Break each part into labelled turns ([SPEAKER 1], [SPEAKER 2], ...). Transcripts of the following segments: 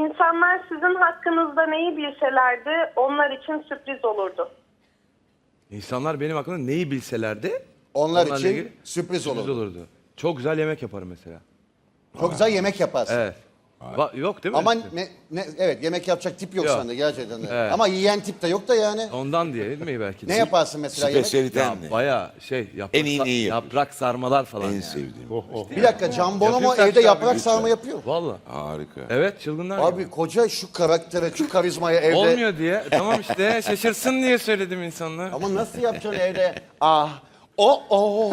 [SPEAKER 1] İnsanlar sizin hakkınızda neyi bilselerdi onlar için sürpriz olurdu.
[SPEAKER 2] İnsanlar benim hakkımda neyi bilselerdi
[SPEAKER 3] Onlar
[SPEAKER 2] onlarla
[SPEAKER 3] için
[SPEAKER 2] ilgili
[SPEAKER 3] sürpriz olurdu.
[SPEAKER 2] Çok güzel yemek yaparım mesela.
[SPEAKER 3] Çok güzel yemek yaparsın.
[SPEAKER 2] Evet. Yok değil mi?
[SPEAKER 3] Ama evet, yemek yapacak tip yok,
[SPEAKER 2] Yok.
[SPEAKER 3] sende gerçekten de.
[SPEAKER 2] Evet.
[SPEAKER 3] Ama yiyen tip de yok da yani.
[SPEAKER 2] Ondan diye değil mi belki de?
[SPEAKER 3] Ne yaparsın mesela yemek?
[SPEAKER 4] Spesiyaliten ne?
[SPEAKER 2] Bayağı yaprak,
[SPEAKER 4] En iyi neyi yapıyorsun?
[SPEAKER 2] yaprak sarmalar falan
[SPEAKER 4] En
[SPEAKER 2] yani.
[SPEAKER 4] sevdiğim.
[SPEAKER 3] Bir dakika, Can Bonomo
[SPEAKER 2] Yapıyorsan
[SPEAKER 3] evde
[SPEAKER 2] çıkar
[SPEAKER 3] yaprak
[SPEAKER 2] bir
[SPEAKER 3] sarma yapıyor.
[SPEAKER 2] Vallahi.
[SPEAKER 4] Harika.
[SPEAKER 2] Evet çılgınlar gibi.
[SPEAKER 3] Abi koca şu karaktere, şu karizmaya evde...
[SPEAKER 2] Olmuyor diye. Tamam işte şaşırsın diye söyledim insanlar.
[SPEAKER 3] Ama nasıl yapacaksın evde? Ah, o.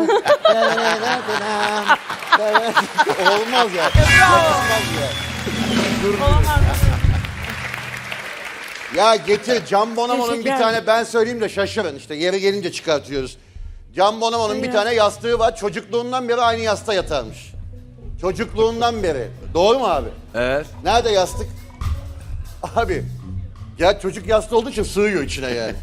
[SPEAKER 3] Olmaz ya. Yakışmaz ya. Ya getir, Can Bonomo'nun bir
[SPEAKER 5] Teşekkürler.
[SPEAKER 3] tane, ben söyleyeyim de şaşırın, işte yeri gelince çıkartıyoruz. Can Bonomo'nun bir tane yastığı var, çocukluğundan beri aynı yastığa yatarmış. Çocukluğundan beri. Doğru mu abi?
[SPEAKER 2] Evet.
[SPEAKER 3] Nerede yastık? Abi, ya çocuk yastığı olduğu için sığıyor içine yani.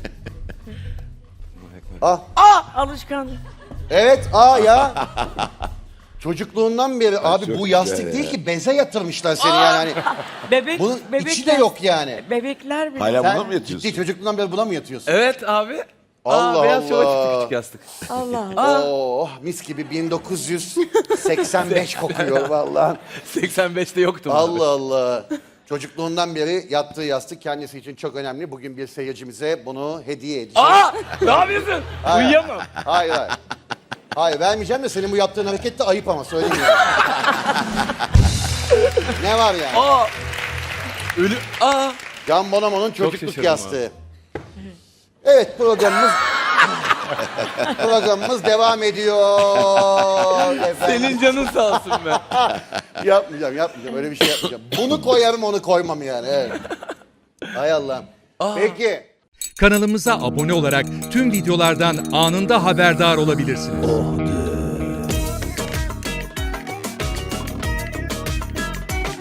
[SPEAKER 5] Alışkanlık.
[SPEAKER 3] Evet, ya. Çocukluğundan beri abi bu yastık değil ki, beze yatırmışlar seni yani. Hani
[SPEAKER 5] Bebek,
[SPEAKER 3] bunun
[SPEAKER 5] bebekler,
[SPEAKER 3] içi de yok yani.
[SPEAKER 5] Bebekler bile.
[SPEAKER 4] Hala buna
[SPEAKER 3] Sen
[SPEAKER 4] mı yatıyorsun?
[SPEAKER 3] ciddi çocukluğundan beri buna mı yatıyorsun?
[SPEAKER 2] Evet abi.
[SPEAKER 3] Allah
[SPEAKER 2] Beyaz şova çıktı
[SPEAKER 3] Allah.
[SPEAKER 2] küçük yastık.
[SPEAKER 5] Allah Allah.
[SPEAKER 3] Oh, mis gibi 1985 kokuyor vallahi.
[SPEAKER 2] 85'te yoktum abi.
[SPEAKER 3] Allah Allah. Çocukluğundan beri yattığı yastık kendisi için çok önemli. Bugün bir seyircimize bunu hediye edeceğiz.
[SPEAKER 2] Ne yapıyorsun? Uyuyamam.
[SPEAKER 3] Hayır. Hayır, vermeyeceğim de senin bu yaptığın hareket de ayıp, ama söyleyeyim ya. Ne var yani?
[SPEAKER 2] Ölü.
[SPEAKER 3] Can Bonomo'nun çocukluk
[SPEAKER 2] şaşırdım
[SPEAKER 3] yastığı. Evet, programımız devam ediyor. Efendim.
[SPEAKER 2] Senin canın sağ olsun be.
[SPEAKER 3] Yapmayacağım. Öyle bir şey yapmayacağım. Bunu koyarım, onu koymam yani. Evet. Hay Allah'ım. Peki.
[SPEAKER 6] Kanalımıza abone olarak tüm videolardan anında haberdar olabilirsiniz.